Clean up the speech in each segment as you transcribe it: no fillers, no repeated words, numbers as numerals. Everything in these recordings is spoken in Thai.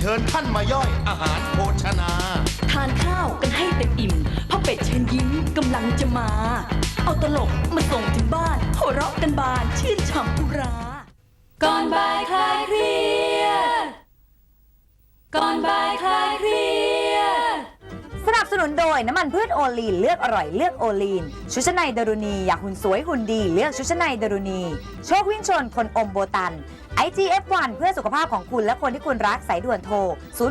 ชิญท่านมาย่อยอาหารโภชนาทานข้าวกันให้เต็มอิ่มพ่อเป็ดเชิญยิ้มกำลังจะมา เอาตลกมาส่งถึงบ้านหัวเราะกันบานชื่นฉ่ำอุราก่อนบ่ายคลายเครียดก่อนบ่ายคลายเครียดสนับสนุนโดยน้ำมันพืชโอลีนเลือกอร่อยเลือกโอลีนชุดชั้นในดารุณีอยากหุ่นสวยหุ่นดีเลือกชุดชั้นในดารุณีโชควิ่งชนคนอมโบตัน IGF1 เพื่อสุขภาพของคุณและคนที่คุณรักสายด่วนโทร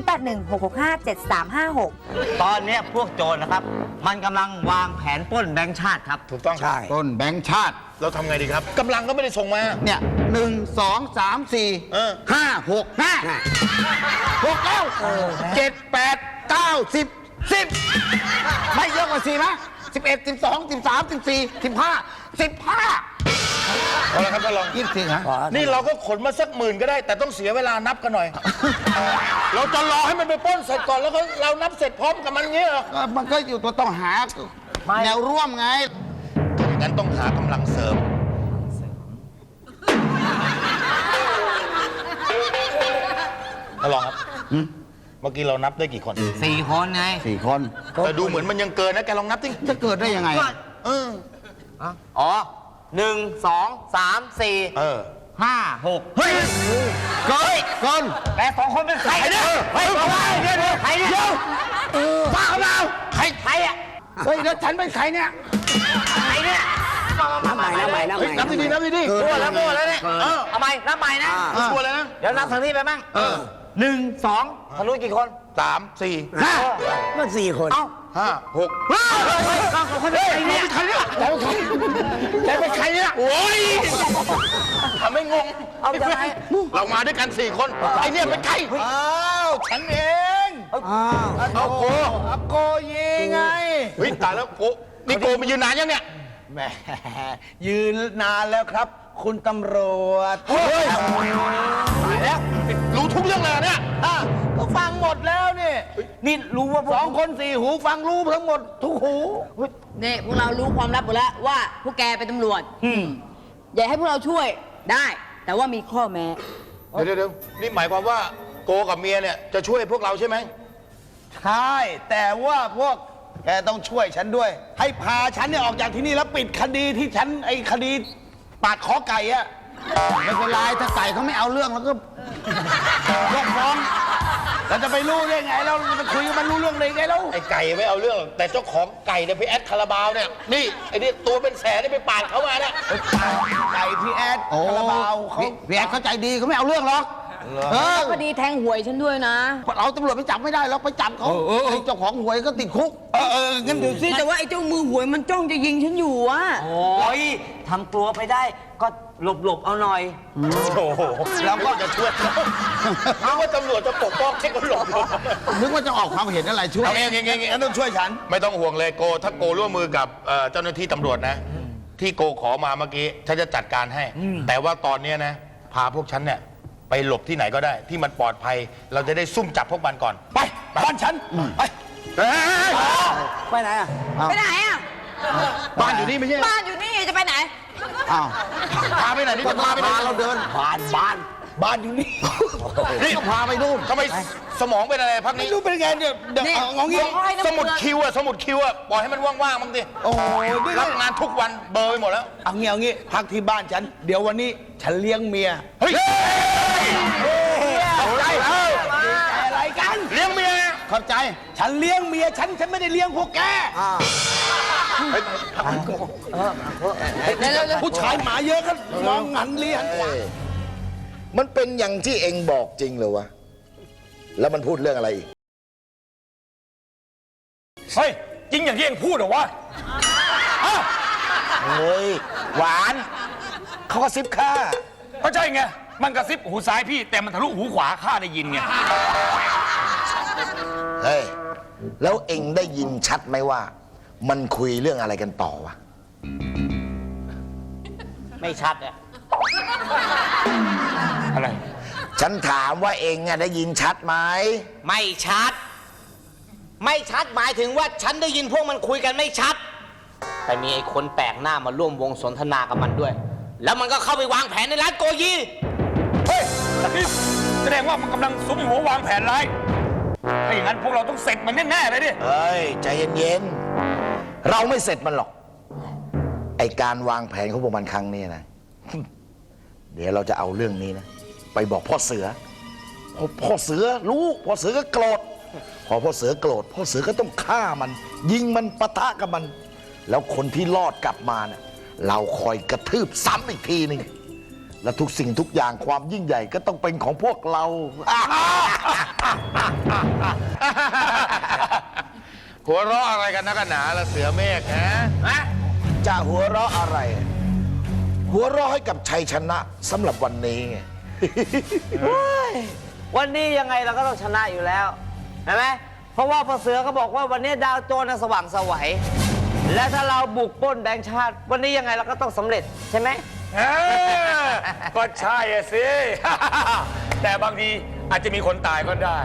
0816657356 ตอนนี้พวกโจรนะครับ มันกำลังวางแผนปล้นแบงค์ชาติครับถูกต้องครับต้นแบงค์ชาติเราทำไงดีครับกำลังก็ไม่ได้ส่งมาเนี่ย1 2 3 4 5 6 5 6แล้ว7 8 9 10 10ไม่เยอะกว่า4ไหม11 12 13 14 15 เอาละครับท่านรอง 24ฮะนี่เราก็ขนมาสักหมื่นก็ได้ แต่ต้องเสียเวลานับกันหน่อย เราจะรอให้มันไปปล้นเสร็จก่อนแล้วก็เรานับเสร็จพร้อมกับมันเงี้ยเหรอมันก็อยู่ตัวต้องหาแนวร่วมไงงั้นต้องหากำลังเสริมท่านรองครับเมื่อกี้เรานับได้กี่คน 4 คนไง 4 คนแต่ดูเหมือนมันยังเกินนะแกลองนับสิจะเกิดได้ยังไงอ๋อ 1 2 3 4 5 6 เฮ้ยเกินแต่2 คนเป็นใครเนี่ยเฮ้ยใครเนี่ยบ้าเปล่าใครอ่ะเฮ้ยแล้วฉันเป็นใครเนี่ยใครเนี่ยนับใหม่นับดีๆนับดีๆมั่วแล้วเนี่ยเอาใหม่นับใหม่นะชัวร์เลยนะเดี๋ยวนับทางนี้ไปบ้าง1 2ทะลุกี่คน 3 4 มัน4 คน 5 6 คนเป็นใครเนี่ยใครเนี่ยแกเป็นใครเนี่ยโอ้ยทำให้งงเอายังไงเรามาด้วยกัน4 คนไอเนี่ยเป็นใครอ้าวฉันเองเอาโกโกยีไงเฮ้ยตายแล้วโกนี่โกมายืนนานยังเนี่ยแหมยืนนานแล้วครับ คุณตำรวจเฮ้ยตายแล้วรู้ทุกเรื่องเลยเนี่ยก็ฟังหมดแล้วนี่นี่รู้ว่า 2 คน 4 หูฟังรู้ทั้งหมดทุกหูนี่พวกเรารู้ความลับหมดแล้วว่าพวกแกเป็นตำรวจอย่าให้พวกเราช่วยได้ แต่ว่ามีข้อแม้เดี๋ยวนี่หมายความว่าโกกับเมียเนี่ยจะช่วยพวกเราใช่ไหมใช่แต่ว่าพวกแกต้องช่วยฉันด้วย ให้พาฉันเนี่ยออกจากที่นี่แล้วปิดคดีที่ฉันไอ้คดีปาดคอไก่อะไม่เป็นไรถ้าไก่เขาไม่เอาเรื่องแล้วก็ยกฟ้องเราจะไปรู้ได้ไงเราจะคุยกับมันรู้เรื่องได้ไงแล้วไอ้ไก่ไม่เอาเรื่องหรอกแต่เจ้าของไก่เนี่ยไปแอดคาราบาวเนี่ยนี่ไอ้นี่ตัวเป็นแสนนี่ไปปาดเขามาเนี่ยไก่พี่แอดโอ้คาราบาวเขาพี่แอดเขาใจดีเขาไม่เอาเรื่องหรอกคดีแทงหวยฉันด้วยนะเราตำรวจไปจับไม่ได้หรอกไปจับเขาไอ้เจ้าของหวยก็ติดคุกงั้นเดี๋ยวสิแต่ว่าไอ้เจ้ามือหวยมันจ้องจะยิงฉันอยู่อะโอ้ยทำตัวไปได้ก็หลบเอาหน่อยโอ้โหเราก็จะช่วยเขานึกว่าตำรวจจะปกป้องแค่คนหลบนึกว่าจะออกความเห็นอะไรช่วยเอาเองงั้นต้องช่วยฉัน ไม่ต้องห่วงเลยโกถ้าโกร่วมมือกับเจ้าหน้าที่ตำรวจนะ ที่โกขอมาเมื่อกี้ฉันจะจัดการให้ แต่ว่าตอนนี้นะพาพวกฉันเนี่ยไปหลบที่ไหนก็ได้ ที่มันปลอดภัย เราจะได้ซุ่มจับพวกมันก่อนไปบ้านฉันไปไปไหนอ่ะไปไหนอะบ้านอยู่นี่ไม่ใช่บ้านอยู่นี่จะไปไหนอ้าวพาไปไหนนี่จะพาไปไหนเราเดินผ่านบ้านอยู่นี่นี่ก็พาไปนู่นทำไมสมองเป็นอะไรพักนี้รู้เป็นไงเดี๋ยวนี่เอางี้สมุดคิวอะสมุดคิวอะปล่อยให้มันว่างๆบ้างดิโอ้ยนี่รับงานทุกวันเบอร์ไปหมดแล้วเอางี้พักที่บ้านฉัน เดี๋ยววันนี้ฉันเลี้ยงเมียเฮ้ยเอาใจเอออะไรกันเลี้ยงเมียขอบใจฉันเลี้ยงเมียฉันไม่ได้เลี้ยงพวกแกผู้ชายหมาเยอะก็มองหันเลี้ยงมันเป็นอย่างที่เองบอกจริงเหรอวะ แล้วมันพูดเรื่องอะไรอีกเฮ้ยจริงอย่างที่เองพูดเหรอวะเฮ้ย หวานเขาก็ซิบข้าก็ใช่ไง มันกระซิบหูซ้ายพี่แต่มันทะลุหูขวาข้าได้ยินไงเฮ้ย แล้วเองได้ยินชัดไหมว่า มันคุยเรื่องอะไรกันต่อวะไม่ชัดอ่ะอะไรฉันถามว่าเองได้ยินชัดไหมไม่ชัด ไม่ชัดหมายถึงว่าฉันได้ยินพวกมันคุยกันไม่ชัด แต่มีไอ้คนแปลกหน้ามาร่วมวงสนทนากับมันด้วย แล้วมันก็เข้าไปวางแผนในร้านโกยีเฮ้ยนี่แสดงว่ามันกำลังสุมหัววางแผนร้ายถ้าอย่างนั้นพวกเราต้องเสร็จมันแน่ๆเลยดิเฮ้ย ใจเย็นๆ เราไม่เสร็จมันหรอก ไอการวางแผนของพวกมันครั้งนี้นะ เดี๋ยวเราจะเอาเรื่องนี้นะ ไปบอกพ่อเสือพ่อเสือรู้พ่อเสือก็โกรธพอพ่อเสือโกรธพ่อเสือก็ต้องฆ่ามัน ยิงมันปะทะกับมัน แล้วคนที่รอดกลับมาเนี่ยเราคอยกระทืบซ้ำอีกทีหนึ่งและทุกสิ่งทุกอย่างความยิ่งใหญ่ก็ต้องเป็นของพวกเราหัวเราะอะไรกันนักกันหนาละเสือเมฆฮะจะหัวเราะอะไร หัวเราะให้กับชัยชนะสำหรับวันนี้ไงวันนี้ยังไงเราก็ต้องชนะอยู่แล้วเห็นไหมเพราะว่าพ่อเสือเขาบอกว่าวันนี้ดาวโจรน่ะสว่างไสวและถ้าเราบุกปล้นแบงค์ชาติ วันนี้ยังไงเราก็ต้องสำเร็จใช่ไหมก็ใช่อะสิ แต่บางทีอาจจะมีคนตายก็ได้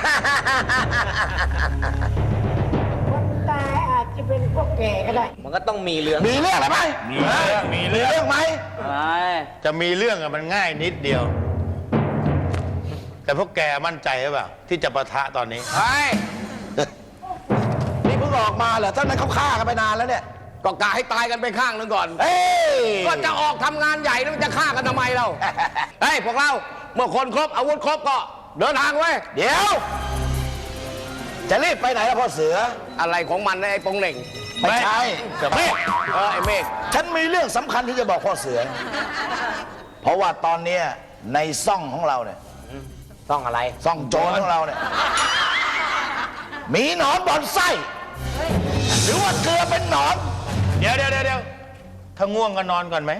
มันก็ต้องมีเรื่องมีเรื่องอะไรไหมมีเรื่องมีเรื่องไหมอะไรจะมีเรื่องอะมันง่ายนิดเดียว แต่พวกแกมั่นใจหรือเปล่าที่จะปะทะตอนนี้เฮ้ย นี่เพิ่งออกมาเหรอท่านนั้นเขาฆ่ากันไปนานแล้วเนี่ยก็กะให้ตายกันไปข้างหนึงก่อนเฮ้ยก็จะออกทำงานใหญ่แล้วมันจะฆ่ากันทำไมเรา เฮ้ย พวกเรา เมื่อคนครบ อาวุธครบก็เดินทางไว้ยเดี๋ยว จะรีบไปไหนล่ะพ่อเสืออะไรของมันนะไอ้ปงเหน่งไม่ใช่เมฆไอ้เมฆฉันมีเรื่องสำคัญที่จะบอกพ่อเสือ เพราะว่าตอนเนี้ยในซ่องของเราเนี่ยต้องอะไรซ่องโจรของเราเนี่ย มีหนอนบอนไส้ หรือว่าเกลือเป็นหนอนเดี๋ยวถ้าง่วงก็นอนก่อนไหม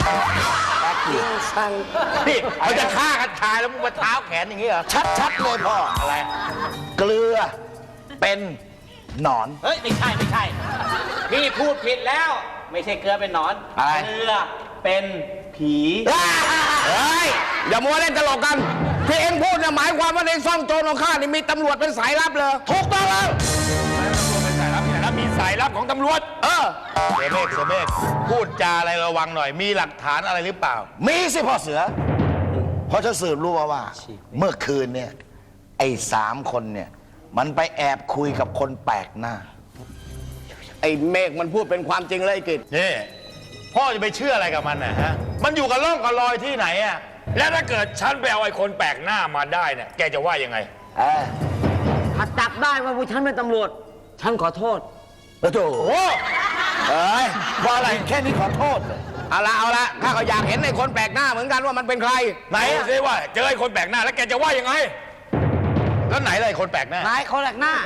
นี่เขาจะฆ่ากันตายแล้วมึงมาเท้าแขนอย่างนี้เหรอชัดๆเลยพ่ออะไรเกลือเป็นหนอนเฮ้ย ไม่ใช่พี่พูดผิดแล้ว ไม่ใช่เกลือเป็นหนอนอะไรเกลือเป็นผีเฮ้ย อย่ามัวเล่นตลกกัน ที่เอ็งพูดเนี่ยหมายความว่าในซ่องโจรของข้านี่มีตำรวจเป็นสายลับเลยถูกต้องแล้วเป็นสายลับที่ไหนแล้วมีสายลับของตำรวจเออเสือเมฆพูดจาอะไรระวังหน่อย มีหลักฐานอะไรหรือเปล่ามีสิพ่อเสือเพราะฉันสืบรู้มาว่า เมื่อคืนเนี่ย ไอ้3 คนเนี่ย มันไปแอบคุยกับคนแปลกหน้าไอ้เมฆมันพูดเป็นความจริงเลยไอ้กิจนี่ พ่อจะไปเชื่ออะไรกับมันนะฮะ มันอยู่กับร่องกับรอยที่ไหนอะแล้วถ้าเกิดฉันไปเอาไอ้คนแปลกหน้ามาได้เนี่ย แกจะว่ายังไงถ้าจับได้ว่าพวกฉันเป็นตำรวจ ฉันขอโทษโอ้โหเอ้ยว่าอะไรแค่นี้ขอโทษเลยเอาละข้าก็อยากเห็นไอ้คนแปลกหน้าเหมือนกันว่ามันเป็นใครไหนดูอะสิว่าเจอไอ้คนแปลกหน้าแล้วแกจะว่ายังไงแล้วไหนเลยคนแปลกหน้านายเขาแหลกหน้า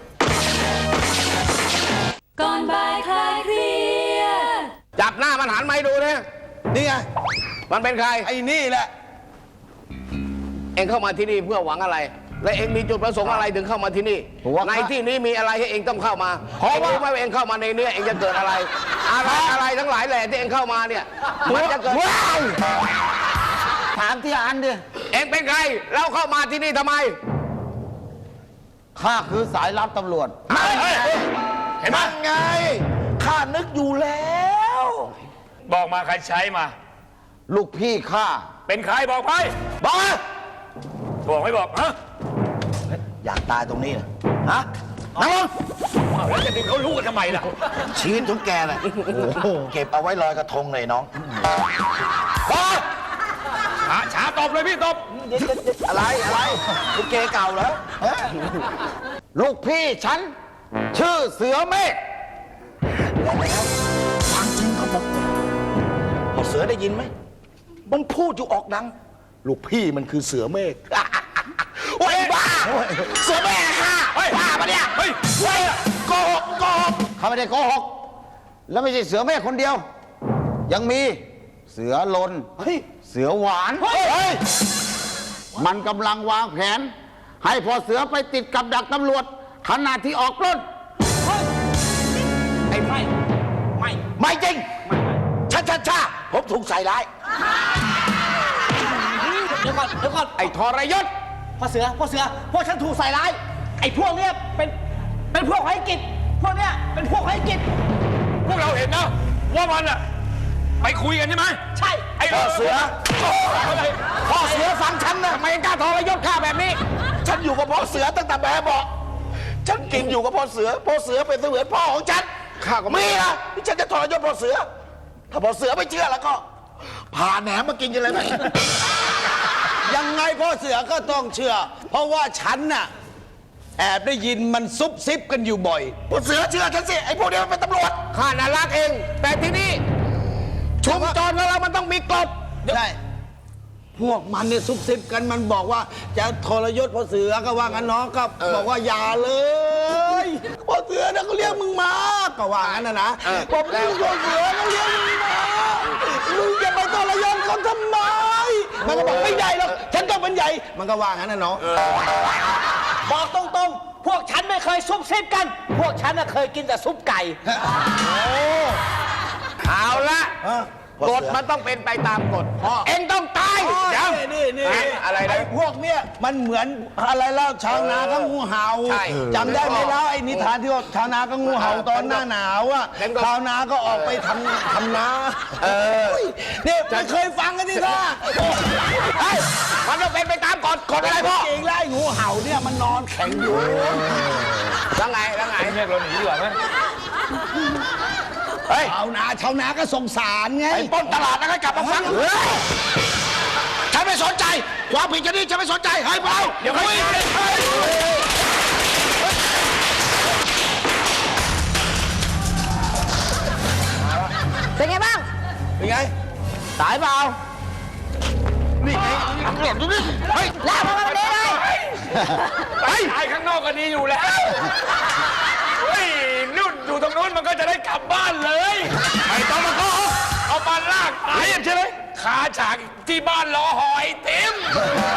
ก่อนบ่ายคลายเครียดจับหน้ามันหันมาให้ดูนะนี่ไงมันเป็นใครไอ้นี่แหละเองเข้ามาที่นี่เพื่อหวังอะไร และเองมีจุดประสงค์อะไรถึงเข้ามาที่นี่ ในที่นี้มีอะไรให้เองต้องเข้ามาเพราะว่ารู้ไหมว่าเองเข้ามาในเนื้อเองจะเกิดอะไร อะไรทั้งหลายแหล่ที่เองเข้ามาเนี่ย มันจะเกิดถามที่อันดิเองเป็นใคร แล้วเข้ามาที่นี่ทำไมข้าคือสายลับตำรวจเห็นไหมนั่นไง ข้านึกอยู่แล้วบอกมาใครใช้มาลูกพี่ข้าเป็นใครบอกไปบอกมาบอกไม่บอกฮะอยากตายตรงนี้นะฮะนั่งลงอ้าวแล้วจะดึงเขารู้กันทำไมล่ะชีวิตของแกน่ะโอ้โหเก็บเอาไว้ลอยกระทงเลยน้องบอกช้าตบเลยพี่ตบอะไรลูกเกเก่าเหรอฮะลูกพี่ฉัน ชื่อเสือเมฆความจริงเขาบอกพอเสือได้ยินไหมมันพูดอยู่ออกดัง ลูกพี่มันคือเสือเมฆ โอ้ยบ้าเสือเมฆค่ะเฮ้ยบ้าปะเนี่ยเฮ้ยเฮ้ยโกหกข้าไม่ได้โกหก แล้วไม่ใช่เสือเมฆคนเดียว ยังมีเสือลนเฮ้ยเสือหวานเฮ้ยมันกำลังวางแผน ให้พอเสือไปติดกับดักตำรวจขณะที่ออกปล้นไอ้ไม่ไม่จริงช้าผมถูกใส่ร้ายเดี๋ยวก่อนไอ้ทรยศพ่อเสือ พวกฉันถูกใส่ร้าย ไอ้พวกเนี้ยเป็นพวกไร้กิจ พวกเนี้ยเป็นพวกไร้กิจพวกเราเห็นนะว่ามันอะไปคุยกันใช่ไหมใช่ไอ้พ่อเสืออะไรพ่อเสือฟังฉันนะทำไมกล้าทรยศข้าแบบนี้ฉันอยู่กับพ่อเสือตั้งแต่แบบเบาะฉันกินอยู่กับพ่อเสือเป็นเสมือนพ่อของฉันข้าก็ไม่มีนะที่ฉันจะทรยศพ่อเสือ ถ้าพ่อเสือไม่เชื่อแล้วก็ผ่าแหนมมากินกันเลยไหมยังไงพ่อเสือก็ต้องเชื่อ เพราะว่าฉันน่ะแอบได้ยินมันซุบซิบกันอยู่บ่อยพ่อเสือเชื่อฉันสิไอ้พวกนี้มันเป็นตำรวจข้าน่ารักเอง แต่ที่นี่ชุมชนของเรามันต้องมีกฎใช่ พวกมันเนี่ยซุบซิบกันมันบอกว่าจะทรยศพ่อเสือก็ว่างั้นน้องก็บอกว่าอย่าเลยพ่อเสือนะเขาเรียกมึงมาก็ว่างั้นนะบอกมึงพ่อเสือเขาเรียกมึงมามึงจะไปทรยศเขาทำไมมันก็บอกไม่ใหญ่หรอกฉันต้องเป็นใหญ่มันก็ว่างั้นนะน้องบอกตรงๆพวกฉันไม่เคยซุบซิบกัน พวกฉันน่ะเคยกินแต่ซุปไก่เอาละกฎมันต้องเป็นไปตามกฎเอ็งต้องตายเดี๋ยวนี่อะไรนะพวกเนี้ยมันเหมือนอะไรเล่าชาวนาก็งูเห่าใช่จำได้ไหมเล่าไอ้นิทานที่ว่าชาวนาก็งูเห่าตอนหน้าหนาวอ่ะชาวนาก็ออกไปทำนาเนี่ยไม่เคยฟังกันนี่ท่ามันต้องเป็นไปตามกฎกฎอะไรพ่อจริงแล้วไอ้งูเห่าเนี่ยมันนอนแข็งอยู่แล้วไงเรียกเราหนีดีกว่าไหมชาวนาก็สงสารไงไอ้ปล้นตลาดแล้วก็กลับมาฟังฉันไม่สนใจความผิดจะนี่ฉันไม่สนใจให้พวกเราเดี๋ยวคุยเป็นไงบ้างเป็นไงตายเปล่านี่ไงตำรวจดูนี่เฮ้ยลากมาวันนี้เลยตายข้างนอกก็ดีอยู่แล้ว เฮ้ยนู่นอยู่ตรงนู้นมันก็จะได้กลับบ้านเลย ไม่ต้องมาก็เอามาลากตายใช่ไหมขาฉากที่บ้านรอหอยเต็ม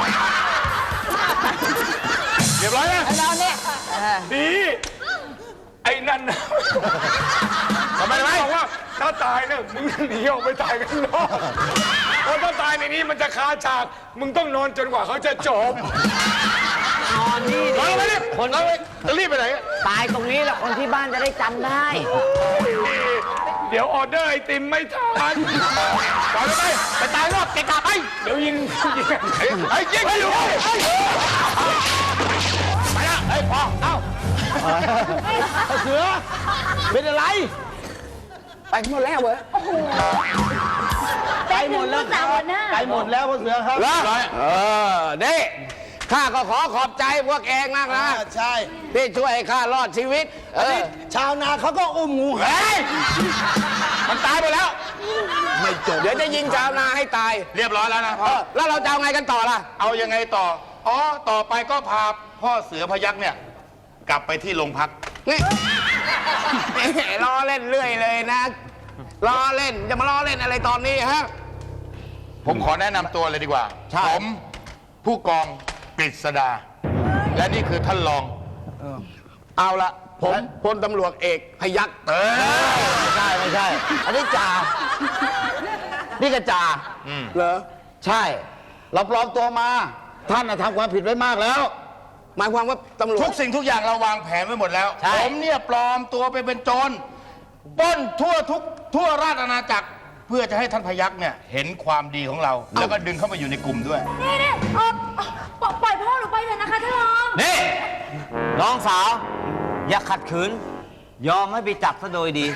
เรียบร้อยนะเราเนี่ยดีไอ้นั่นนะทำไมบอกว่าถ้าตายเนี่ยมึงหนีออกไปตายข้างนอกเพราะถ้าตายในนี้มันจะคาฉากมึงต้องนอนจนกว่าเขาจะจบนอนนี่นอนไปดิคนนอนไปจะรีบไปไหนตายตรงนี้แหละคนที่บ้านจะได้จำได้เดี๋ยวออเดอร์ไอติมไม่ทันปล่อยไปตายรอบเกะกะไปเดี๋ยวยิงไอ้ยิงไปอยู่ไปละไอ้พอเอ้าเสือเป็นอะไรไปหมดแล้วเว้ยไปหมดแล้วไปหมดแล้วพ่อเสือครับนี่ข้าก็ขอขอบใจพวกเองมากนะใช่ที่ช่วยให้ข้ารอดชีวิตชาวนาเขาก็อุ้มงูเห่าเฮ้ยมันตายไปแล้วไม่จบเดี๋ยวจะยิงชาวนาให้ตายเรียบร้อยแล้วนะพ่อแล้วเราจะเอาไงกันต่อล่ะเอายังไงต่อ อ๋อ ต่อไปก็พาพ่อเสือพยักเนี่ย กลับไปที่โรงพักนี่ล้อเล่นเรื่อยเลยนะล้อเล่นจะมาล้อเล่นอะไรตอนนี้ฮะผมขอแนะนำตัวเลยดีกว่าใช่ผมผู้กองกฤษดา และนี่คือท่านรองเอาละผมพลตำรวจเอกพยัคฆ์ไม่ใช่ อันนี้จ่านี่ก็จ่าเหรอใช่ เราปลอมตัวมา ท่านน่ะทำความผิดไว้มากแล้ว หมายความว่าตำรวจทุกสิ่งทุกอย่างเราวางแผนไว้หมดแล้วใช่ผมเนี่ยปลอมตัวไปเป็นโจรปล้นทั่วราชอาณาจักร เพื่อจะให้ท่านพยักเนี่ยเห็นความดีของเรา แล้วก็ดึงเข้ามาอยู่ในกลุ่มด้วยนี่ปล่อยพ่อหนูไปเถอะนะคะท่านรองนี่ น้องสาว อย่าขัดขืน ยอมให้ไปจับซะโดยดี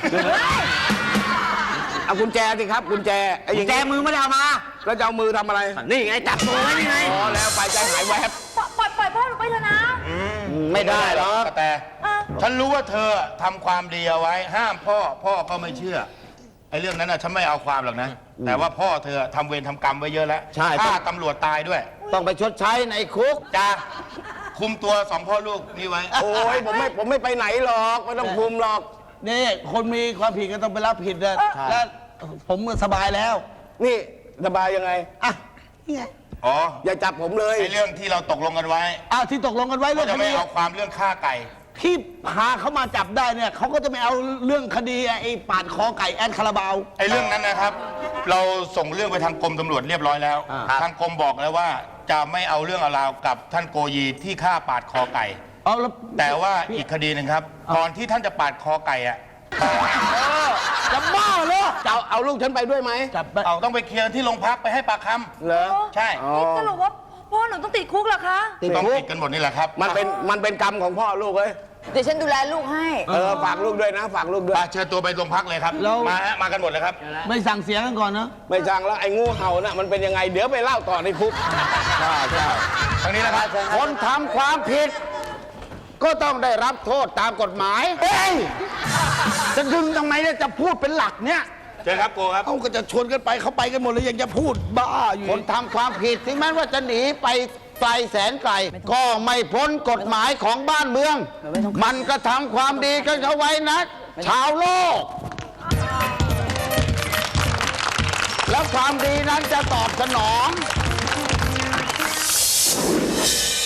เอากุญแจสิครับกุญแจไอ้กุญแจมือไม่ได้เอามาแล้วจะเอามือทำอะไรนี่ไงจับตัวไว้นี่ไงพอแล้วไปใจหายแวบปล่อยพ่อหนูไปเถอะนะไม่ได้หรอกแต่ฉันรู้ว่าเธอทำความดีเอาไว้ ห้ามพ่อก็ไม่เชื่อไอ้เรื่องนั้นน่ะฉันไม่เอาความหรอกนะ แต่ว่าพ่อเธอทำเวรทำกรรมไว้เยอะแล้วใช่ฆ่าตำรวจตายด้วยต้องไปชดใช้ในคุกจ้าคุมตัวสองพ่อลูกนี่ไว้โอ้ยผมไม่ไปไหนหรอกไม่ต้องคุมหรอกนี่คนมีความผิดก็ต้องไปรับผิดนะแล้วผมก็สบายแล้วนี่สบายยังไงอ่ะนี่ไงอ๋ออย่าจับผมเลยไอ้เรื่องที่เราตกลงกันไว้อ้าวที่ตกลงกันไว้เรื่ก็องจะคไม่ดีเอาความเรื่องฆ่าไก่ที่พาเขามาจับได้เนี่ยเขาก็จะไม่เอาเรื่องคดีไอ้ปาดคอไก่แอนคาราบาวไอ้เรื่องนั้นนะครับ เราส่งเรื่องไปทางกรมตำรวจเรียบร้อยแล้ว ทางกรมบอกแล้วว่าจะไม่เอาเรื่องเอาราวกับท่านโกยีที่ฆ่าปาดคอไก่เอาแล้วแต่ว่าอีกคดีหนึ่งครับ ก่อนที่ท่านจะปาดคอไก่อะจะบ้าเหรอจะเอาลูกฉันไปด้วยไหมจับไปเอาต้องไปเคลียร์ที่โรงพักไปให้ปากคำเหรอใช่นี่สรุปว่าพ่อหนูต้องติดคุกเหรอคะต้องติดกันหมดนี่แหละครับมันเป็นกรรมของพ่อลูกเอ้ยเดี๋ยวฉันดูแลลูกให้ฝากลูกด้วยนะ ฝากลูกด้วยมาเชิญตัวไปโรงพักเลยครับแล้วมาฮะมากันหมดเลยครับไม่สั่งเสียกันก่อนนะ ไม่สั่งแล้วไอ้งูเห่าน่ะมันเป็นยังไง เดี๋ยวไปเล่าต่อในคุกทางนี้นะครับคนทำความผิด ก็ต้องได้รับโทษตามกฎหมายเฮ้ยจะดึงทำไมเนี่ยจะพูดเป็นหลักเนี่ยเชิญครับโกครับเขาก็จะชวนกันไปเขาไปกันหมดเลยยังจะพูดบ้าอยู่คนทำความผิดถึงแม้ว่าจะหนีไปไกลแสนไกล ก็ไม่พ้นกฎหมายของบ้านเมือง มันก็ทำความดีกันเขาไว้นะ ชาวโลก แล้วความดีนั้นจะตอบสนอง